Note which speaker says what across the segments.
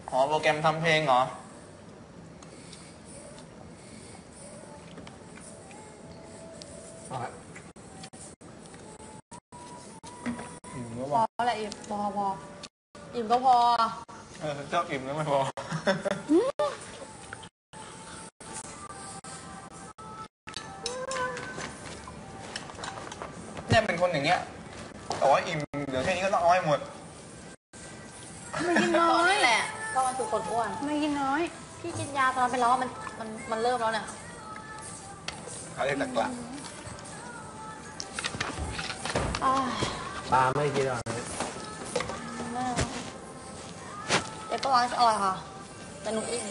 Speaker 1: อ๋อโปรแกรมทำเพลงเหรอ
Speaker 2: พอแหละอิ่มพออิ่มก็พอ
Speaker 1: เจ้าอิ่มแล้วไม่พอเนี่ยเป็นคนอย่างเงี้ยแต่ว่าอิ่มเดี๋ยวแค่นี้ก็ต้องเอาให้หมด
Speaker 2: ไม่กินน้อยแหละก็มันคือคนอ้วนไม่กินน้อยพี่กินยาตอนเป็นแล้วมันเริ่มแล้วเนี่ย
Speaker 1: อะไรหลัก
Speaker 3: ปลาไม่กินหรอก
Speaker 2: เด็กก็ร้านอร่อยค่ะแต่หนูอิ่ม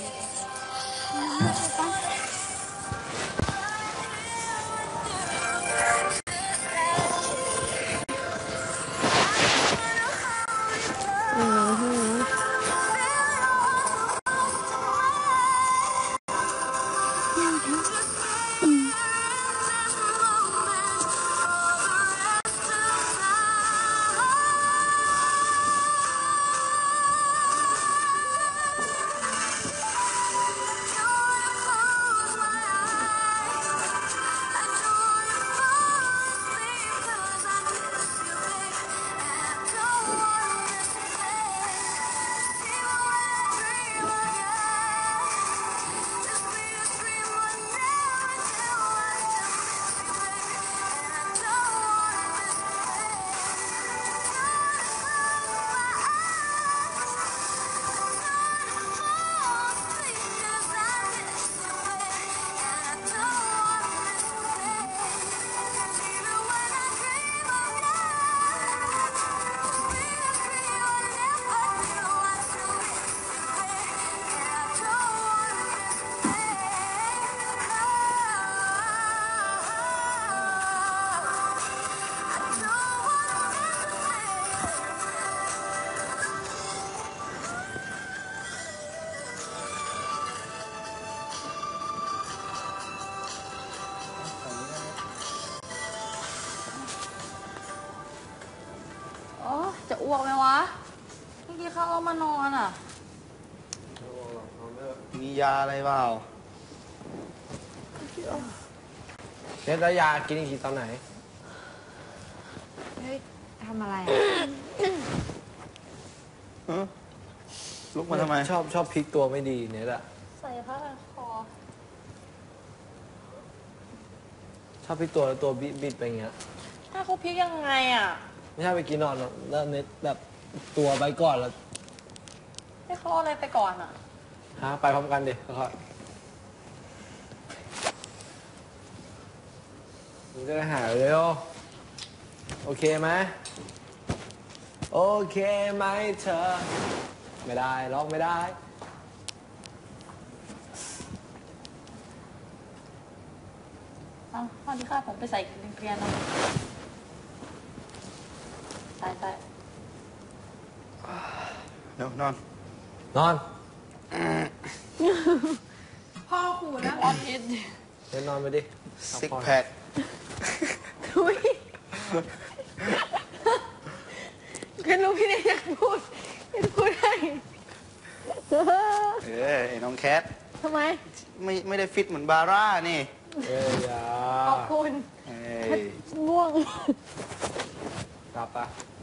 Speaker 2: จะอ้วกไหมวะเมื่อกี้เข้ามานอนอ่ะ
Speaker 1: มียาอะไรเปล่า
Speaker 3: เนี่ยแล้วยากินอีกทีตอนไหน
Speaker 2: เฮ้ยทำอะไร
Speaker 1: ลุกมาทำไม
Speaker 3: ชอบพลิกตัวไม่ดีเนี่ยแหละ
Speaker 2: ใส่ผ้าพันคอ
Speaker 3: ชอบพลิกตัวแล้วตัวบิดไปอย่างเงี้ย
Speaker 2: ถ้าเขาพลิกยังไงอ่ะ
Speaker 3: ไม่ใช่ไปกินนอนแล้วเน็ตแบบตัวไปก่อนแล้ว
Speaker 2: ให้เขาอะไรไปก่อนอ่ะ
Speaker 3: ไปพร้อมกันดิค่อยๆมึงจะได้หายเร็วโอเคไหมโอเคไหมเธอไม่ได้ร้องไม่ได้
Speaker 2: ข้อที่ข้าผมไปใส่เกลียนนะใส่
Speaker 1: เดี๋ยวนอน
Speaker 2: พ่อขู่นะออนอิน
Speaker 3: เดี๋ยวนอนไปดิ
Speaker 1: ซิกแพค
Speaker 2: ทุยก็รู้พี่เนี่ยอยากพูดให้
Speaker 1: ไอ้น้องแคท
Speaker 2: ทำไม
Speaker 1: ไม่ได้ฟิตเหมือนบาร่านี่
Speaker 3: อย่า
Speaker 2: ขอบคุณง่วง
Speaker 3: กลับปะ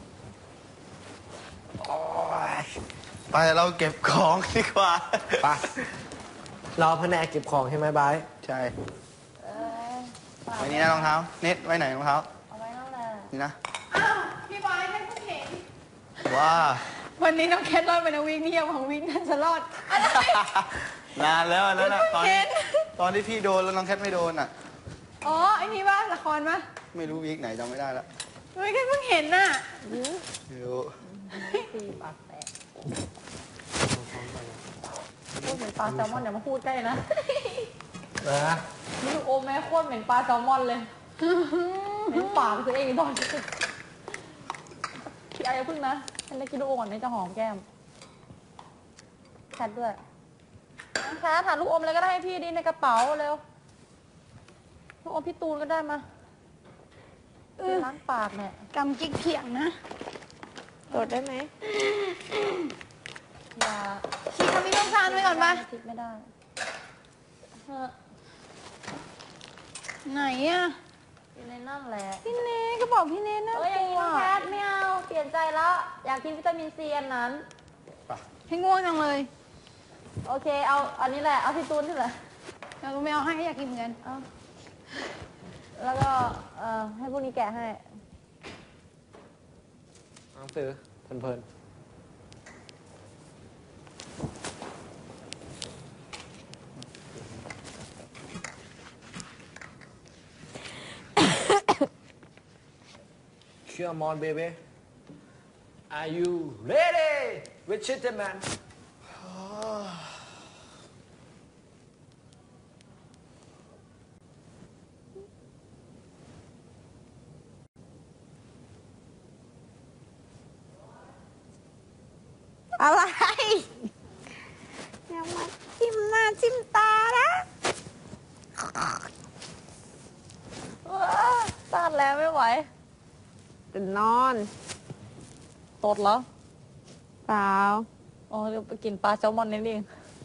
Speaker 1: ไปเราเก็บของดีกว่า
Speaker 3: ไปเราแผนกเก็บของใช่ไหมบาย
Speaker 1: ใช่ไว้นี่นะรองเท้าเน็ตไว้ไหนรองเท้า
Speaker 2: เอาไว้นั่นแหละ
Speaker 1: นี่นะ
Speaker 2: พี่บอยให้ผู้เห็น
Speaker 1: ว่า
Speaker 2: วันนี้น้องแคทรอดไปนะวิ่งนี่ยังของวิ่งนั่นจะรอด
Speaker 1: นานแล้วนั่นนะตอนที่พี่โดนแล้วน้องแคทไม่โดนอ่ะ
Speaker 2: อ๋อไอ้นี่ป่ะละครป่ะ
Speaker 1: ไม่รู้วีคไหนจำไม่ได้แล้ว
Speaker 2: ไม่แค่เพิ่งเห็นน่ะ
Speaker 1: รู้
Speaker 2: ตีปากแตกพูดเหมือนปลาแซลมอนอย่ามาพูดใกล้นะนี่โอแม่โคตรเหม็นปลาแซลมอนเลยเหม็นปากตัวเองตอนคิดอะไรพึ่งนะฉันได้กินลูกอมก่อนนี่จะหอมแก้มแคทด้วยแคทหาลูกอมอะไรก็ได้ให้พี่ดีในกระเป๋าเร็วลูกอมพี่ตูนก็ได้มาล้างปากเนี่ย
Speaker 4: กำกิ๊กเพียงนะ
Speaker 2: ตดได้ไหมอย่า
Speaker 4: ขี้านไว้ก่อนปะ
Speaker 2: คิดไม่ได้เออ
Speaker 4: ไหนอ่ะ
Speaker 2: อยู่ในนั่นแหละ
Speaker 4: พี่เนก็บอกพี่เนน่า
Speaker 2: เอ้ยอย่าง
Speaker 4: ก
Speaker 2: นี้
Speaker 4: ลัว
Speaker 2: น้องแคทไม่เอาเปลี่ยนใจแล้ว อยากกินวิตามินซีอันนั้น
Speaker 4: ให้ง่วงจังเลย
Speaker 2: โอเค เอาอันนี้แหละ เอาพี่ตูนนี่แหละ
Speaker 4: เราไม่เอาให้อยากกินเหมือนกัน
Speaker 2: เอาแล้วก็ให้พวกนี้แกะให้
Speaker 3: หนังสือเพลินๆ Come on baby Are you ready with gentleman
Speaker 4: อะไรอย่ามาจิ้มหน้าจิ้มตานะ
Speaker 2: ต้านแล้วไม่ไหว
Speaker 4: ตื่นนอน
Speaker 2: ตดเหรอ
Speaker 4: เปล่า
Speaker 2: อ๋อเดี๋ยวไปกินปลาแซลมอนนี่เอง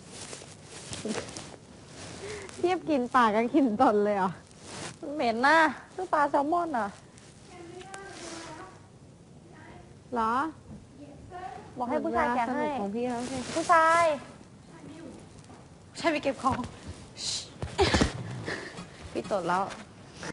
Speaker 4: เทียบกินปากกับกินตนเลยเหรอ
Speaker 2: มันเหม็นนะคือปลาแซลมอนอ่ะ
Speaker 4: เหรอ
Speaker 2: บอกให้ผู้ชายแกะ
Speaker 4: สนุ
Speaker 2: ให้
Speaker 4: กของพี่เขาสิ
Speaker 2: ผู้ชาย
Speaker 4: ใช่ไปเก็บของ
Speaker 2: พี่ตดแล้ว